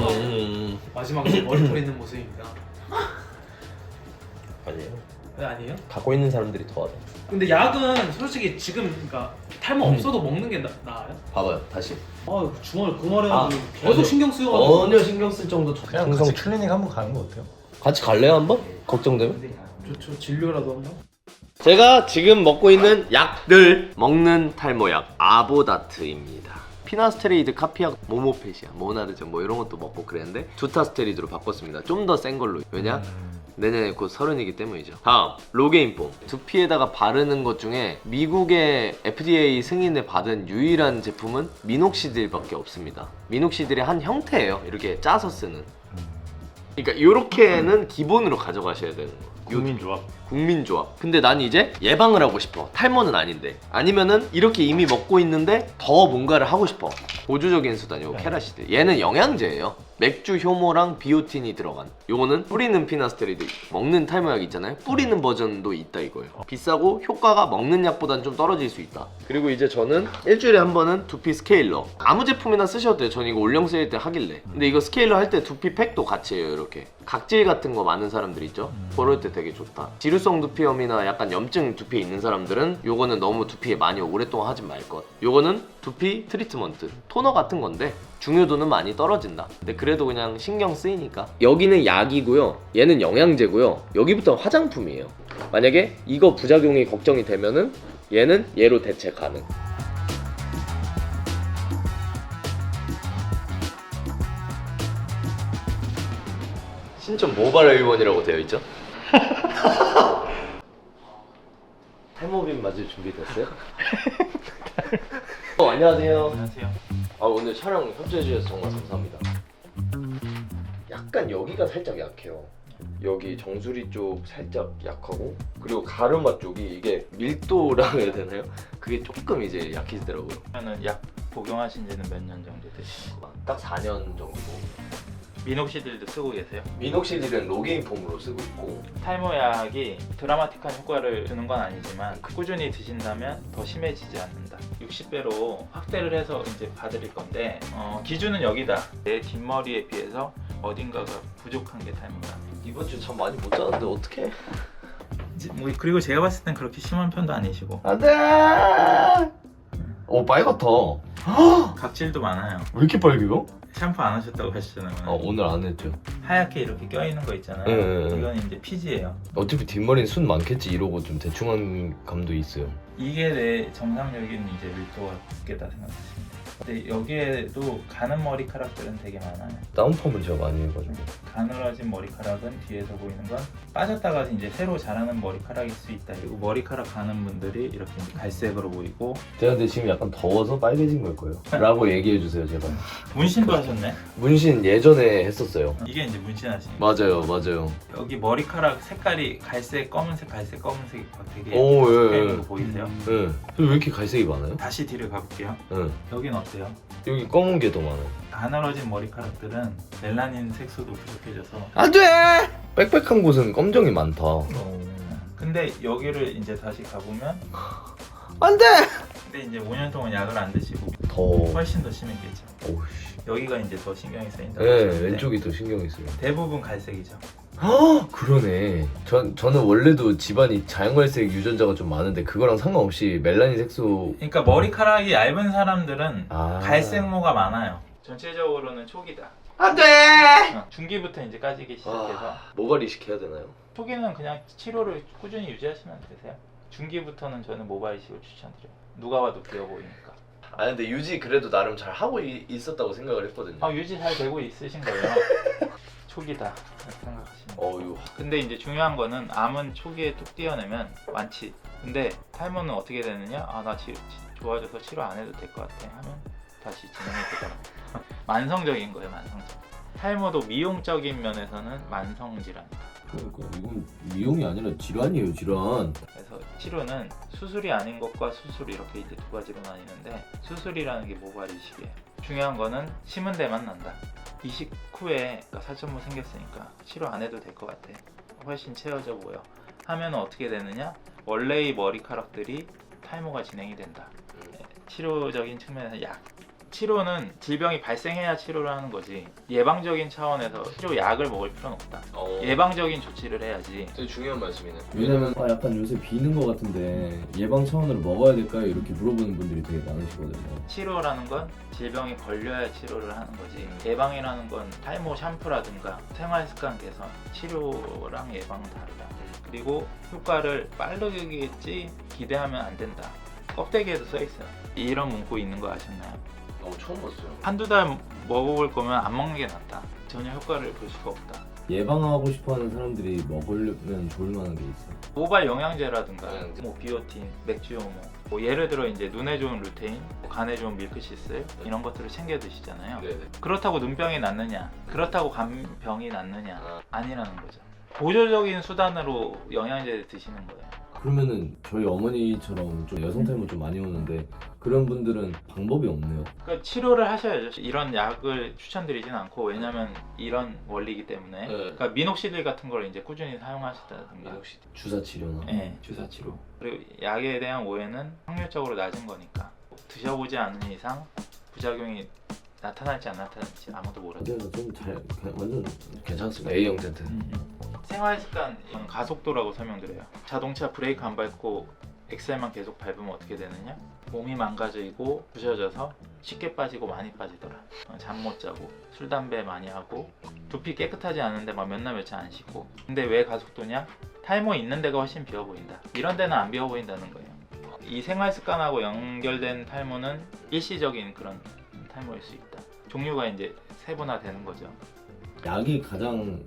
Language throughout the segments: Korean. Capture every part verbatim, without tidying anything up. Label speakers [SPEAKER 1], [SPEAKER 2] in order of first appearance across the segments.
[SPEAKER 1] 음.
[SPEAKER 2] 마지막에 머리 뿌리는 모습입니다.
[SPEAKER 1] 아니에요.
[SPEAKER 2] 네, 아니에요?
[SPEAKER 1] 갖고 있는 사람들이 더하다.
[SPEAKER 2] 근데 약은 솔직히 지금 그러니까 탈모
[SPEAKER 1] 음.
[SPEAKER 2] 없어도 먹는 게 나, 나아요?
[SPEAKER 1] 봐봐요, 다시.
[SPEAKER 2] 아 주말 그 말에
[SPEAKER 1] 아,
[SPEAKER 2] 계속
[SPEAKER 1] 전혀-
[SPEAKER 2] 신경 쓰여가지고
[SPEAKER 1] 전혀 신경 쓸 정도
[SPEAKER 3] 그냥
[SPEAKER 1] 정성.
[SPEAKER 3] 같이 클리닉 한번 가는 거 어때요?
[SPEAKER 1] 같이 갈래요 한번? 걱정되면?
[SPEAKER 2] 좋죠. 진료라도 한번.
[SPEAKER 1] 제가 지금 먹고 있는 약들 먹는 탈모약 아보다트입니다. 피나스테리드, 카피약, 모모페시아, 모나르젠 뭐 이런 것도 먹고 그랬는데 두타스테리드로 바꿨습니다. 좀 더 센 걸로. 왜냐?
[SPEAKER 3] 음.
[SPEAKER 1] 내년에 곧 서른이기 때문이죠. 다음 로게인폼. 두피에다가 바르는 것 중에 미국의 에프디에이 승인을 받은 유일한 제품은 미녹시딜밖에 없습니다. 미녹시딜의 한 형태예요. 이렇게 짜서 쓰는. 그러니까 이렇게는 기본으로 가져가셔야 되는 거.
[SPEAKER 3] 국민조합.
[SPEAKER 1] 국민조합. 근데 난 이제 예방을 하고 싶어. 탈모는 아닌데. 아니면은 이렇게 이미 먹고 있는데 더 뭔가를 하고 싶어. 보조적인 수단이고
[SPEAKER 3] 네.
[SPEAKER 1] 케라시드. 얘는 영양제예요. 맥주 효모랑 비오틴이 들어간. 요거는 뿌리는 피나스테리드. 먹는 탈모약 있잖아요. 뿌리는 버전도 있다 이거예요. 비싸고 효과가 먹는 약보다는 좀 떨어질 수 있다. 그리고 이제 저는 일주일에 한 번은 두피 스케일러. 아무 제품이나 쓰셔도 돼요. 전 이거 올영 세일 때 하길래. 근데 이거 스케일러 할 때 두피 팩도 같이 해요. 이렇게. 각질 같은 거 많은 사람들 있죠? 그럴 때 되게 좋다. 지루성 두피염이나 약간 염증 두피에 있는 사람들은 요거는 너무 두피에 많이 오랫동안 하진 말 것. 요거는 두피 트리트먼트. 토너 같은 건데 중요도는 많이 떨어진다. 근데 그래도 그냥 신경 쓰이니까. 여기는 약이고요. 얘는 영양제고요. 여기부터 화장품이에요. 만약에 이거 부작용이 걱정이 되면은 얘는 얘로 대체 가능. 신촌 모발 의원이라고 되어 있죠? 탈모빔 맞을 준비 됐어요? 어, 안녕하세요.
[SPEAKER 2] 안녕하세요.
[SPEAKER 1] 아, 오늘 촬영 협조해 주셔서 정말 감사합니다. 약간 여기가 살짝 약해요. 여기 정수리 쪽 살짝 약하고, 그리고 가르마 쪽이 이게 밀도라고 해야 되나요? 그게 조금 이제 약해지더라고요.
[SPEAKER 4] 그러면은 약 복용하신 지는 몇 년 정도 되시는 거예요?
[SPEAKER 1] 딱 사 년 정도.
[SPEAKER 4] 미녹시딜도 쓰고 계세요?
[SPEAKER 1] 미녹시딜은 로게인폼으로 쓰고 있고.
[SPEAKER 4] 탈모약이 드라마틱한 효과를 주는 건 아니지만 꾸준히 드신다면 더 심해지지 않는다. 육십 배로 확대를 해서 이제 봐드릴 건데 어, 기준은 여기다. 내 뒷머리에 비해서 어딘가가 부족한 게 탈모다.
[SPEAKER 1] 이번 주 참 많이 못 자는데 어떡해?
[SPEAKER 4] 이제 뭐 그리고 제가 봤을 땐 그렇게 심한 편도 아니시고
[SPEAKER 1] 안돼. 오, 빨갛다.
[SPEAKER 4] 각질도 많아요.
[SPEAKER 1] 왜 이렇게 빨개요?
[SPEAKER 4] 샴푸 안 하셨다고 하셨잖아요.
[SPEAKER 1] 아, 오늘 안 했죠.
[SPEAKER 4] 하얗게 이렇게 껴있는 거 있잖아요.
[SPEAKER 1] 네, 네, 네.
[SPEAKER 4] 이건 이제 피지예요.
[SPEAKER 1] 어차피 뒷머리는 순 많겠지 이러고 좀 대충한 감도 있어요.
[SPEAKER 4] 이게 내 정상적인 이제 밀도가 두께다 생각하시면 돼요. 근데 여기에도 가는 머리카락들은 되게 많아요.
[SPEAKER 1] 다운펌을 제가 많이 해가지고.
[SPEAKER 4] 가늘어진 머리카락은 뒤에서 보이는 건 빠졌다가 이제 새로 자라는 머리카락일 수 있다. 그리고 머리카락 가는 분들이 이렇게 이제 갈색으로 보이고.
[SPEAKER 1] 제가 근데 지금 약간 더워서 빨개진 걸 거예요. 라고 얘기해 주세요, 제발.
[SPEAKER 4] 문신도 하셨네?
[SPEAKER 1] 문신 예전에 했었어요.
[SPEAKER 4] 이게 이제 문신하신 거.
[SPEAKER 1] 맞아요, 맞아요.
[SPEAKER 4] 여기 머리카락 색깔이 갈색, 검은색, 갈색, 검은색이 되게
[SPEAKER 1] 오, 예,
[SPEAKER 4] 색깔로
[SPEAKER 1] 예.
[SPEAKER 4] 보이세요?
[SPEAKER 1] 네. 왜 이렇게 갈색이 많아요?
[SPEAKER 4] 다시 뒤를 가볼게요.
[SPEAKER 1] 네.
[SPEAKER 4] 여긴 어때요?
[SPEAKER 1] 여기 검은 게 더 많아요.
[SPEAKER 4] 가늘어진 머리카락들은 멜라닌 색소도 부족해져서
[SPEAKER 1] 안 돼! 빽빽한 곳은 검정이 많다.
[SPEAKER 4] 근데 여기를 이제 다시 가보면
[SPEAKER 1] 안 돼!
[SPEAKER 4] 근데 이제 오 년 동안 약을 안 드시고
[SPEAKER 1] 더.
[SPEAKER 4] 훨씬 더 심했겠죠.
[SPEAKER 1] 오우씨.
[SPEAKER 4] 여기가 이제 더 신경이 쓰인다고
[SPEAKER 1] 네,
[SPEAKER 4] 하셨는데
[SPEAKER 1] 왼쪽이 더 신경이 쓰여요.
[SPEAKER 4] 대부분 갈색이죠.
[SPEAKER 1] 아, 그러네. 전, 저는 원래도 집안이 자연갈색 유전자가 좀 많은데 그거랑 상관없이 멜라닌 색소.
[SPEAKER 4] 그러니까 머리카락이 얇은 사람들은
[SPEAKER 1] 아.
[SPEAKER 4] 갈색모가 많아요. 전체적으로는 초기다.
[SPEAKER 1] 안 돼!
[SPEAKER 4] 어, 중기부터 이제 까지기 시작해서
[SPEAKER 1] 아, 모발 이식해야 되나요?
[SPEAKER 4] 초기는 그냥 치료를 꾸준히 유지하시면 되세요. 중기부터는 저는 모발 이식을 추천드려요. 누가 봐도 귀여 보이니까.
[SPEAKER 1] 아, 근데 유지 그래도 나름 잘 하고 이, 있었다고 생각을 했거든요.
[SPEAKER 4] 아 유지 잘 되고 있으신 거예요. 초기다 이렇게 생각하시면 돼요.
[SPEAKER 1] 어휴.
[SPEAKER 4] 근데 이제 중요한 거는 암은 초기에 뚝 띄어내면 완치. 근데 탈모는 어떻게 되느냐? 아 나 좋아져서 치료 안 해도 될 것 같아 하면 다시 진행이 되더라고요. 만성적인 거예요, 만성적. 탈모도 미용적인 면에서는 만성 질환이다.
[SPEAKER 1] 그러니까 이건 미용이 아니라 질환이에요, 질환.
[SPEAKER 4] 그래서 치료는 수술이 아닌 것과 수술 이렇게 이제 두 가지로 나뉘는데 수술이라는 게 모발 이식이에요. 중요한 거는 심은 데만 난다. 이식 후에 살점모 생겼으니까 치료 안 해도 될 것 같아. 훨씬 채워져 보여. 하면 어떻게 되느냐? 원래의 머리카락들이 탈모가 진행이 된다. 치료적인 측면에서 약, 치료는 질병이 발생해야 치료를 하는 거지 예방적인 차원에서 치료 약을 먹을 필요는 없다.
[SPEAKER 1] 어.
[SPEAKER 4] 예방적인 조치를 해야지.
[SPEAKER 1] 되게 중요한 말씀이네.
[SPEAKER 3] 왜냐면 아, 약간 요새 비는 것 같은데 예방 차원으로 먹어야 될까요? 이렇게 물어보는 분들이 되게 많으시거든요.
[SPEAKER 4] 치료라는 건 질병이 걸려야 치료를 하는 거지 예방이라는 건 탈모 샴푸라든가 생활습관 개선, 치료랑 예방은 다르다. 그리고 효과를 빠르겠지 기대하면 안 된다. 껍데기에도 써있어요. 이런 문구 있는 거 아셨나요?
[SPEAKER 1] 어, 처음 봤어요.
[SPEAKER 4] 한두 달 먹어볼 거면 안 먹는 게 낫다. 전혀 효과를 볼 수가 없다.
[SPEAKER 3] 예방하고 싶어하는 사람들이 먹으려면 좋을 만한 게 있어요.
[SPEAKER 4] 모발 영양제라든가
[SPEAKER 1] 영양제.
[SPEAKER 4] 뭐 비오틴, 맥주효모 뭐 예를 들어 이제 눈에 좋은 루테인, 뭐 간에 좋은 밀크시슬 이런 것들을 챙겨 드시잖아요.
[SPEAKER 1] 네네.
[SPEAKER 4] 그렇다고 눈병이 낫느냐, 그렇다고 간병이 낫느냐
[SPEAKER 1] 아.
[SPEAKER 4] 아니라는 거죠. 보조적인 수단으로 영양제 드시는 거예요.
[SPEAKER 3] 그러면은 저희 어머니처럼 좀 여성 탈모 좀 많이 오는데 그런 분들은 방법이 없네요.
[SPEAKER 4] 그러니까 치료를 하셔야죠. 이런 약을 추천드리진 않고 왜냐면 이런 원리이기 때문에
[SPEAKER 1] 네.
[SPEAKER 4] 그러니까 미녹시딜 같은 걸 이제 꾸준히 사용하시다든가
[SPEAKER 1] 혹시
[SPEAKER 3] 주사 치료나.
[SPEAKER 4] 네, 주사 치료. 그리고 약에 대한 오해는 확률적으로 낮은 거니까 드셔보지 않은 이상 부작용이 나타날지 안 나타날지 아무도 모르죠.
[SPEAKER 3] 맞아요. 좀잘 완전
[SPEAKER 1] 괜찮습니다. A형 텐트.
[SPEAKER 4] 생활습관 가속도라고 설명드려요. 자동차 브레이크 안 밟고 엑셀만 계속 밟으면 어떻게 되느냐? 몸이 망가지고 부셔져서 쉽게 빠지고 많이 빠지더라. 잠 못 자고 술 담배 많이 하고 두피 깨끗하지 않은데 막 몇 날 며칠 안 씻고. 근데 왜 가속도냐? 탈모 있는 데가 훨씬 비어 보인다. 이런 데는 안 비어 보인다는 거예요. 이 생활습관하고 연결된 탈모는 일시적인 그런 탈모일 수 있다. 종류가 이제 세분화되는 거죠.
[SPEAKER 3] 약이 가장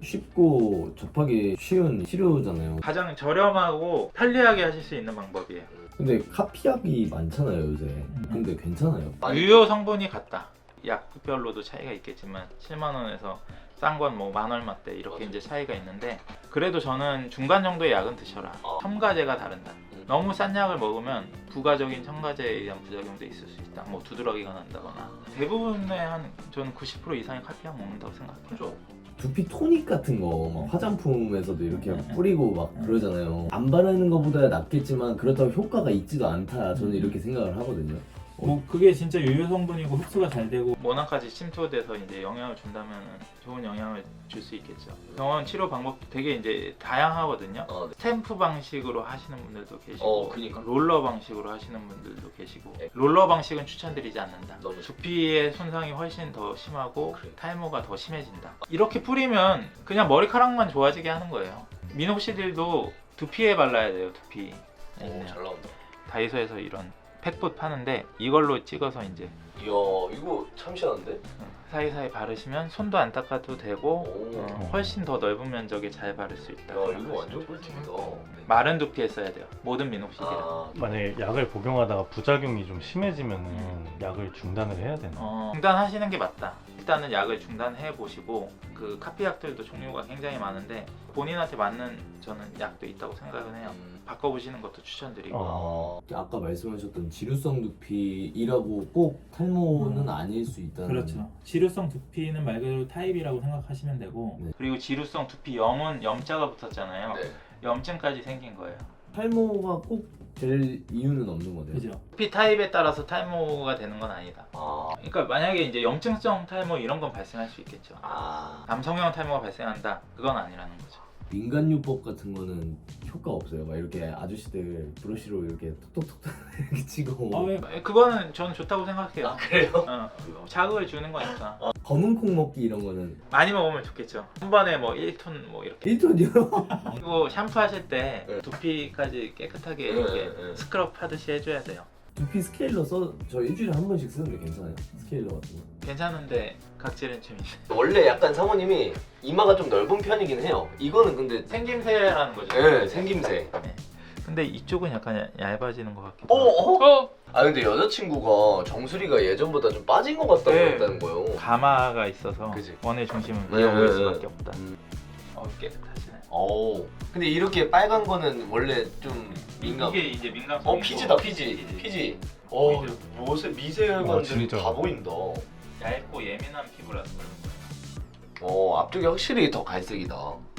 [SPEAKER 3] 쉽고 접하기 쉬운 치료잖아요.
[SPEAKER 4] 가장 저렴하고 편리하게 하실 수 있는 방법이에요.
[SPEAKER 3] 근데 카피약이 많잖아요 요새. 근데 괜찮아요.
[SPEAKER 4] 유효 성분이 같다. 약별로도 차이가 있겠지만 칠만 원에서 싼 건 뭐 만 얼마대 이렇게
[SPEAKER 1] 맞아.
[SPEAKER 4] 이제 차이가 있는데 그래도 저는 중간 정도의 약은 드셔라.
[SPEAKER 1] 어.
[SPEAKER 4] 첨가제가 다른다.
[SPEAKER 1] 음.
[SPEAKER 4] 너무 싼 약을 먹으면 부가적인 첨가제에 의한 부작용도 있을 수 있다. 뭐 두드러기가 난다거나 대부분의 한 저는 구십 퍼센트 이상의 카피약 먹는다고 생각해요.
[SPEAKER 3] 두피 토닉 같은 거 막 화장품에서도 이렇게
[SPEAKER 4] 음.
[SPEAKER 3] 뿌리고 막 그러잖아요. 안 바르는 것보다 낫겠지만 그렇다고 효과가 있지도 않다. 저는 이렇게 생각을 하거든요.
[SPEAKER 5] 뭐 그게 진짜 유효 성분이고 흡수가 잘 되고
[SPEAKER 4] 모낭까지 침투돼서 이제 영향을 준다면 좋은 영향을 줄 수 있겠죠. 병원 치료 방법도 되게 이제 다양하거든요.
[SPEAKER 1] 어, 네.
[SPEAKER 4] 스탬프 방식으로 하시는 분들도 계시고
[SPEAKER 1] 어, 그니까.
[SPEAKER 4] 롤러 방식으로 하시는 분들도 계시고
[SPEAKER 1] 네.
[SPEAKER 4] 롤러 방식은 추천드리지 않는다.
[SPEAKER 1] 너무
[SPEAKER 4] 두피의 손상이 훨씬 더 심하고
[SPEAKER 1] 그래.
[SPEAKER 4] 탈모가 더 심해진다. 이렇게 뿌리면 그냥 머리카락만 좋아지게 하는 거예요. 미녹시딜도 두피에 발라야 돼요. 두피.
[SPEAKER 1] 오,
[SPEAKER 4] 네.
[SPEAKER 1] 잘 나온다.
[SPEAKER 4] 다이소에서 이런 팩붓 파는데 이걸로 찍어서 이제
[SPEAKER 1] 이야, 이거 참 시원한데?
[SPEAKER 4] 사이사이 바르시면 손도 안 닦아도 되고
[SPEAKER 1] 오.
[SPEAKER 4] 어, 훨씬 더 넓은 면적에 잘 바를 수 있다.
[SPEAKER 1] 야, 이거 완전 꿀팁이다.
[SPEAKER 4] 마른 두피에 써야 돼요. 모든 미녹시딜은.
[SPEAKER 1] 아,
[SPEAKER 5] 만약에 약을 복용하다가 부작용이 좀 심해지면은 약을 중단을 해야 되나?
[SPEAKER 4] 어, 중단하시는 게 맞다. 일단은 약을 중단해 보시고 그 카피약들도 종류가 굉장히 많은데 본인한테 맞는 저는 약도 있다고 생각은 해요.
[SPEAKER 1] 음.
[SPEAKER 4] 바꿔보시는 것도 추천드리고.
[SPEAKER 5] 어.
[SPEAKER 3] 아까 말씀하셨던 지루성 두피이라고 꼭 탈모는 아닐 수 있다는.
[SPEAKER 5] 그렇죠. 지루성 두피는 말 그대로 타입이라고 생각하시면 되고
[SPEAKER 3] 네.
[SPEAKER 4] 그리고 지루성 두피 염은 염자가 붙었잖아요.
[SPEAKER 1] 네.
[SPEAKER 4] 염증까지 생긴 거예요.
[SPEAKER 3] 탈모가 꼭 될 이유는 없는 거네요.
[SPEAKER 5] 그죠?
[SPEAKER 4] 두피 타입에 따라서 탈모가 되는 건 아니다.
[SPEAKER 1] 아,
[SPEAKER 4] 그러니까 만약에 이제 염증성 탈모 이런 건 발생할 수 있겠죠.
[SPEAKER 1] 아.
[SPEAKER 4] 남성형 탈모가 발생한다. 그건 아니라는 거죠.
[SPEAKER 3] 민간요법 같은 거는 효과 없어요. 막 이렇게 아저씨들 브러쉬로 이렇게 톡톡톡 이렇게 치고
[SPEAKER 5] 아, 왜?
[SPEAKER 4] 그거는 저는 좋다고 생각해요.
[SPEAKER 1] 아, 그래요?
[SPEAKER 4] 어, 자극을 주는 거니까.
[SPEAKER 3] 검은 콩 먹기 이런 거는
[SPEAKER 4] 많이 먹으면 좋겠죠. 한 번에 뭐 일 톤 뭐 이렇게.
[SPEAKER 3] 일 톤이요?
[SPEAKER 4] 그리고 샴푸 하실 때
[SPEAKER 1] 네.
[SPEAKER 4] 두피까지 깨끗하게
[SPEAKER 1] 네,
[SPEAKER 4] 이렇게
[SPEAKER 1] 네, 네.
[SPEAKER 4] 스크럽 하듯이 해줘야 돼요.
[SPEAKER 3] 두피 스케일러 써 저 일주일에 한 번씩 쓰는데 괜찮아요. 스케일러 같은 거.
[SPEAKER 4] 괜찮은데 각질은 좀 있어요.
[SPEAKER 1] 원래 약간 사모님이 이마가 좀 넓은 편이긴 해요. 이거는 근데
[SPEAKER 4] 생김새라는 거죠.
[SPEAKER 1] 네, 생김새.
[SPEAKER 4] 네. 근데 이쪽은 약간 얇- 얇아지는 것 같기도
[SPEAKER 1] 어?
[SPEAKER 4] 하고.
[SPEAKER 1] 어? 아 근데 여자친구가 정수리가 예전보다 좀 빠진 것 같다고
[SPEAKER 4] 네.
[SPEAKER 1] 했다는 거예요.
[SPEAKER 4] 가마가 있어서
[SPEAKER 1] 그치.
[SPEAKER 4] 원의 중심은
[SPEAKER 1] 네,
[SPEAKER 4] 위에
[SPEAKER 1] 네,
[SPEAKER 4] 보일
[SPEAKER 1] 네.
[SPEAKER 4] 수밖에 없다.
[SPEAKER 1] 음.
[SPEAKER 4] 어, 깨끗하시네.
[SPEAKER 1] 오. 근데 이렇게 빨간 거는 원래 좀 민감.
[SPEAKER 4] 이게 이제 민감성.
[SPEAKER 1] 어 피지다 피지. 피지. 어
[SPEAKER 4] 피지.
[SPEAKER 1] 요새
[SPEAKER 5] 어,
[SPEAKER 1] 미세혈관들이
[SPEAKER 5] 진짜.
[SPEAKER 1] 다 보인다.
[SPEAKER 4] 얇고 예민한 피부라서 그런 거예요.
[SPEAKER 1] 어 앞쪽이 확실히 더 갈색이다.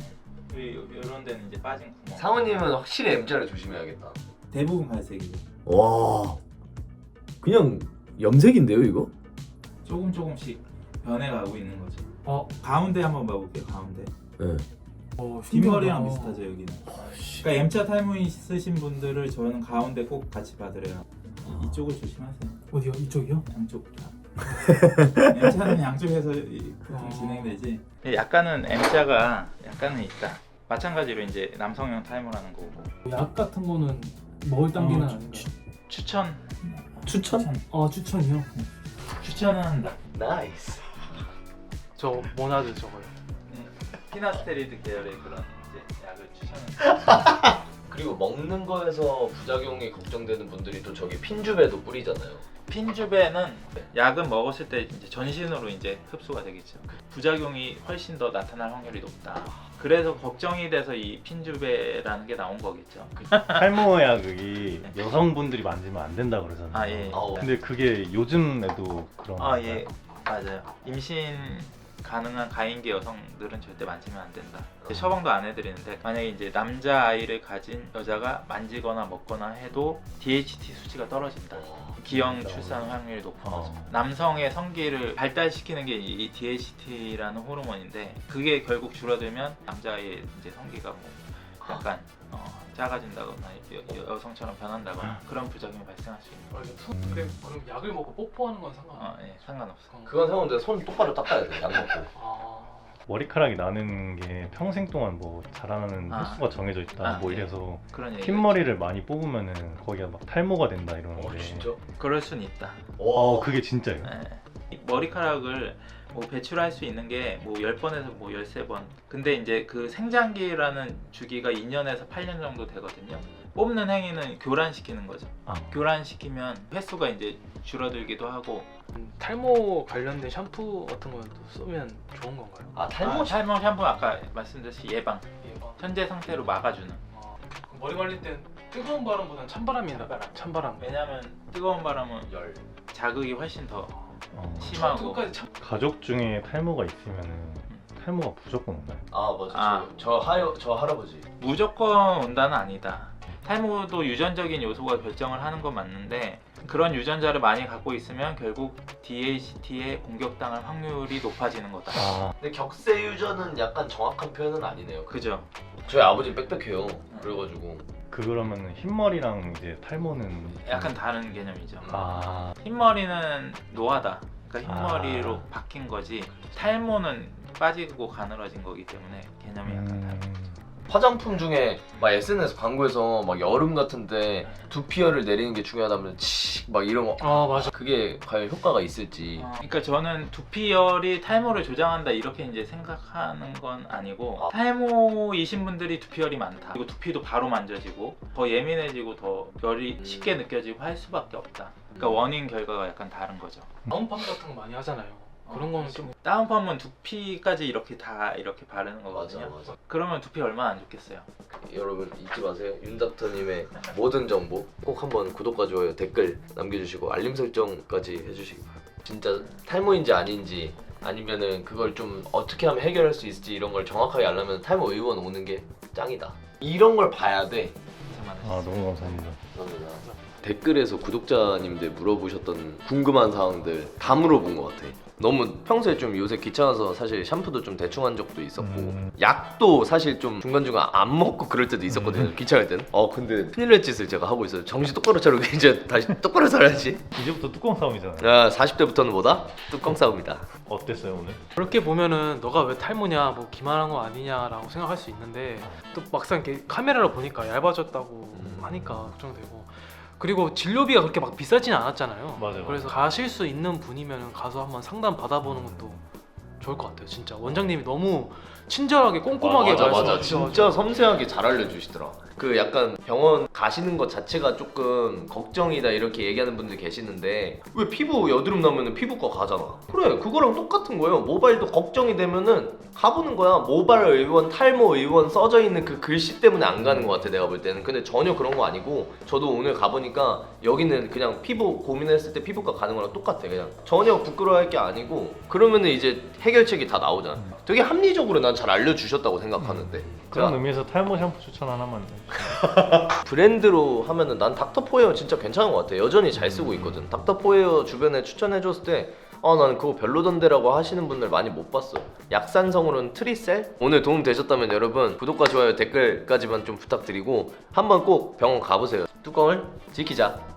[SPEAKER 4] 이런 데는 이제 빠진 구멍.
[SPEAKER 1] 사모님은 확실히 M자를 조심해야겠다.
[SPEAKER 5] 대부분 갈색이죠.
[SPEAKER 3] 와 그냥 염색인데요 이거?
[SPEAKER 4] 조금 조금씩 변해가고 있는 거죠.
[SPEAKER 2] 어,
[SPEAKER 4] 가운데 한번 봐볼게요. 가운데.
[SPEAKER 3] 네.
[SPEAKER 2] 어
[SPEAKER 4] 뒷머리랑
[SPEAKER 2] 신기하다.
[SPEAKER 4] 비슷하죠 여기는. 그러니까 M자 탈모 있으신 분들을 저는 가운데 꼭 같이 봐드려요. 이- 이쪽을 조심하세요.
[SPEAKER 2] 어디요? 이쪽이요?
[SPEAKER 4] 양쪽 다. M자는 양쪽에서 이- 보통
[SPEAKER 2] 어.
[SPEAKER 4] 진행되지. 약간은 M자가 약간은 있다. 마찬가지로 이제 남성형 탈모라는 거고.
[SPEAKER 2] 약 같은 거는 먹을 단계는
[SPEAKER 4] 어,
[SPEAKER 2] 아닌가?
[SPEAKER 4] 추천.
[SPEAKER 3] 추천?
[SPEAKER 2] 어 추천이요?
[SPEAKER 4] 추천은 한다.
[SPEAKER 1] 나이스.
[SPEAKER 6] 저 모나드 저거요.
[SPEAKER 4] 피나스테리드 계열의 그런 이제 약을 추천합니다.
[SPEAKER 1] 그리고 먹는 거에서 부작용이 걱정되는 분들이 또 저기 핀주베도 뿌리잖아요.
[SPEAKER 4] 핀주베는 약은 먹었을 때 이제 전신으로 이제 흡수가 되겠죠. 부작용이 훨씬 더 나타날 확률이 높다. 그래서 걱정이 돼서 이 핀주베라는 게 나온 거겠죠.
[SPEAKER 5] 탈모약이 여성분들이 만지면 안 된다 그러잖아요.
[SPEAKER 4] 아 예.
[SPEAKER 1] 아우.
[SPEAKER 5] 근데 그게 요즘에도 그런
[SPEAKER 4] 아
[SPEAKER 5] 건가요?
[SPEAKER 4] 예. 맞아요. 임신 가능한 가임기 여성들은 절대 만지면 안 된다. 처방도 안 해드리는데 만약에 이제 남자 아이를 가진 여자가 만지거나 먹거나 해도 디에이치티 수치가 떨어진다. 기형 출산 확률이 높은 거죠.
[SPEAKER 5] 어.
[SPEAKER 4] 남성의 성기를 발달시키는 게 이 디에이치티라는 호르몬인데 그게 결국 줄어들면 남자의 이제 성기가 뭐 약간 어, 작아진다거나 여, 여, 여성처럼 변한다거나 그런 부작용이 발생할 수 있는 거예요.
[SPEAKER 6] 손 그래 그럼 약을 먹고 뽀뽀하는 건 상관?
[SPEAKER 4] 어, 예, 상관없어.
[SPEAKER 1] 그건 상관없는데 손 똑바로 닦아야 돼. 약 먹고.
[SPEAKER 6] 아.
[SPEAKER 5] 머리카락이 나는 게 평생 동안 뭐 자라나는
[SPEAKER 4] 아.
[SPEAKER 5] 횟수가 정해져 있다
[SPEAKER 4] 아,
[SPEAKER 5] 뭐
[SPEAKER 4] 네.
[SPEAKER 5] 이래서
[SPEAKER 4] 그런 얘기가
[SPEAKER 5] 흰머리를 많이 뽑으면은 거기가 막 탈모가 된다 이러는데
[SPEAKER 1] 어 진짜?
[SPEAKER 4] 있죠. 그럴 순 있다.
[SPEAKER 5] 어 그게 진짜예요?
[SPEAKER 4] 예. 이 머리카락을 뭐 배출할 수 있는 게 뭐 열 번에서 뭐 열세 번. 근데 이제 그 생장기라는 주기가 이 년에서 팔 년 정도 되거든요. 뽑는 행위는 교란시키는 거죠.
[SPEAKER 5] 아.
[SPEAKER 4] 교란시키면 횟수가 이제 줄어들기도 하고.
[SPEAKER 6] 음, 탈모 관련된 샴푸 같은 거는 또 쓰면 좋은 건가요?
[SPEAKER 1] 아 탈모
[SPEAKER 4] 탈모, 탈모 샴푸 아까 말씀드렸듯이 예방,
[SPEAKER 6] 예방.
[SPEAKER 4] 현재 상태로 막아주는.
[SPEAKER 6] 아, 그럼 머리 관리 때는 뜨거운 바람보다는 찬바람이 나.
[SPEAKER 4] 찬바람.
[SPEAKER 6] 찬바람.
[SPEAKER 4] 왜냐하면 뜨거운 바람은
[SPEAKER 1] 열.
[SPEAKER 4] 자극이 훨씬 더
[SPEAKER 5] 어.
[SPEAKER 4] 심하고.
[SPEAKER 6] 끝까지 참.
[SPEAKER 5] 가족 중에 탈모가 있으면은 탈모가 무조건 오나요?
[SPEAKER 1] 아 맞아.
[SPEAKER 4] 아.
[SPEAKER 1] 저, 저 하여 저 할아버지.
[SPEAKER 4] 무조건 온다는 아니다. 탈모도 유전적인 요소가 결정을 하는 건 맞는데 그런 유전자를 많이 갖고 있으면 결국 디에이치티에 공격당할 확률이 높아지는 거다.
[SPEAKER 5] 아
[SPEAKER 1] 근데 격세 유전은 약간 정확한 표현은 아니네요.
[SPEAKER 4] 그죠?
[SPEAKER 1] 저희 아버지 빽빽해요. 그래가지고
[SPEAKER 5] 그러면은 흰머리랑 이제 탈모는
[SPEAKER 4] 약간 다른 개념이죠.
[SPEAKER 5] 아
[SPEAKER 4] 흰머리는 노화다. 그러니까 흰머리로
[SPEAKER 5] 아.
[SPEAKER 4] 바뀐 거지. 탈모는 빠지고 가늘어진 거기 때문에 개념이 약간 다르.
[SPEAKER 5] 음,
[SPEAKER 1] 화장품 중에 막 에스엔에스 광고에서 막 여름 같은데 두피열을 내리는 게 중요하다면 치막 이런 거
[SPEAKER 6] 아 맞아.
[SPEAKER 1] 그게 과연 효과가 있을지.
[SPEAKER 4] 어, 그러니까 저는 두피열이 탈모를 조장한다 이렇게 이제 생각하는 건 아니고
[SPEAKER 1] 아.
[SPEAKER 4] 탈모이신 분들이 두피열이 많다. 그리고 두피도 바로 만져지고 더 예민해지고 더 열이
[SPEAKER 1] 음.
[SPEAKER 4] 쉽게 느껴지고 할 수밖에 없다. 그러니까 원인 결과가 약간 다른 거죠.
[SPEAKER 6] 다운펌 같은 거 많이 하잖아요. 그런 거는 좀
[SPEAKER 4] 다운펌은 두피까지 이렇게 다 이렇게 바르는
[SPEAKER 1] 맞아
[SPEAKER 4] 거거든요.
[SPEAKER 1] 맞아.
[SPEAKER 4] 그러면 두피 얼마나 안 좋겠어요.
[SPEAKER 1] 여러분 잊지 마세요. 윤닥터님의 모든 정보 꼭 한번 구독과 좋아요 댓글 남겨주시고 알림 설정까지 해주시기 바랍니다. 진짜 탈모인지 아닌지 아니면은 그걸 좀 어떻게 하면 해결할 수 있을지 이런 걸 정확하게 알려면 탈모 의원 오는 게 짱이다. 이런 걸 봐야 돼.
[SPEAKER 5] 아 너무 감사합니다.
[SPEAKER 1] 감사합니다. 댓글에서 구독자님들 물어보셨던 궁금한 사항들 다 물어본 것 같아. 너무 평소에 좀 요새 귀찮아서 사실 샴푸도 좀 대충 한 적도 있었고
[SPEAKER 5] 음.
[SPEAKER 1] 약도 사실 좀 중간중간 안 먹고 그럴 때도 있었거든요.
[SPEAKER 5] 음.
[SPEAKER 1] 귀찮을 때는. 어 근데 큰일 날 짓을 제가 하고 있어요. 정신 똑바로 차리고 이제 다시 똑바로 살아야지.
[SPEAKER 5] 이제부터 뚜껑 싸움이잖아요.
[SPEAKER 1] 야 사십 대부터는 뭐다? 뚜껑 싸움이다.
[SPEAKER 5] 어땠어요 오늘?
[SPEAKER 6] 그렇게 보면은 너가 왜 탈모냐 뭐 기만한 거 아니냐라고 생각할 수 있는데 또 막상 이렇게 카메라로 보니까 얇아졌다고
[SPEAKER 1] 음.
[SPEAKER 6] 하니까 걱정되고 그리고 진료비가 그렇게 막 비싸진 않았잖아요.
[SPEAKER 5] 맞아요.
[SPEAKER 6] 그래서 가실 수 있는 분이면 가서 한번 상담 받아보는 것도 좋을 것 같아요. 진짜 원장님이 너무 친절하게 꼼꼼하게
[SPEAKER 1] 맞아 맞아
[SPEAKER 6] 말씀하셔가지고.
[SPEAKER 1] 진짜 섬세하게 잘 알려주시더라. 그 약간 병원 가시는 것 자체가 조금 걱정이다 이렇게 얘기하는 분들 계시는데 왜 피부 여드름 나면은 피부과 가잖아. 그래 그거랑 똑같은 거예요. 모발도 걱정이 되면은 가보는 거야. 모발 의원 탈모 의원 써져 있는 그 글씨 때문에 안 가는 것 같아 내가 볼 때는. 근데 전혀 그런 거 아니고 저도 오늘 가보니까 여기는 그냥 피부 고민했을 때 피부과 가는 거랑 똑같아. 그냥 전혀 부끄러워할 게 아니고 그러면은 이제 해결책이 다 나오잖아. 되게 합리적으로 난 잘 알려주셨다고 생각하는데
[SPEAKER 5] 그런
[SPEAKER 1] 제가
[SPEAKER 5] 의미에서 탈모 샴푸 추천 하나만.
[SPEAKER 1] 브랜드로 하면은 난 닥터포에어 진짜 괜찮은 것 같아. 여전히 잘 쓰고 있거든. 닥터포에어 주변에 추천해줬을 때 아 나는 그거 별로던데라고 하시는 분들 많이 못 봤어요. 약산성으로는 트리셀? 오늘 도움 되셨다면 여러분 구독과 좋아요 댓글까지만 좀 부탁드리고 한번 꼭 병원 가보세요. 뚜껑을 지키자.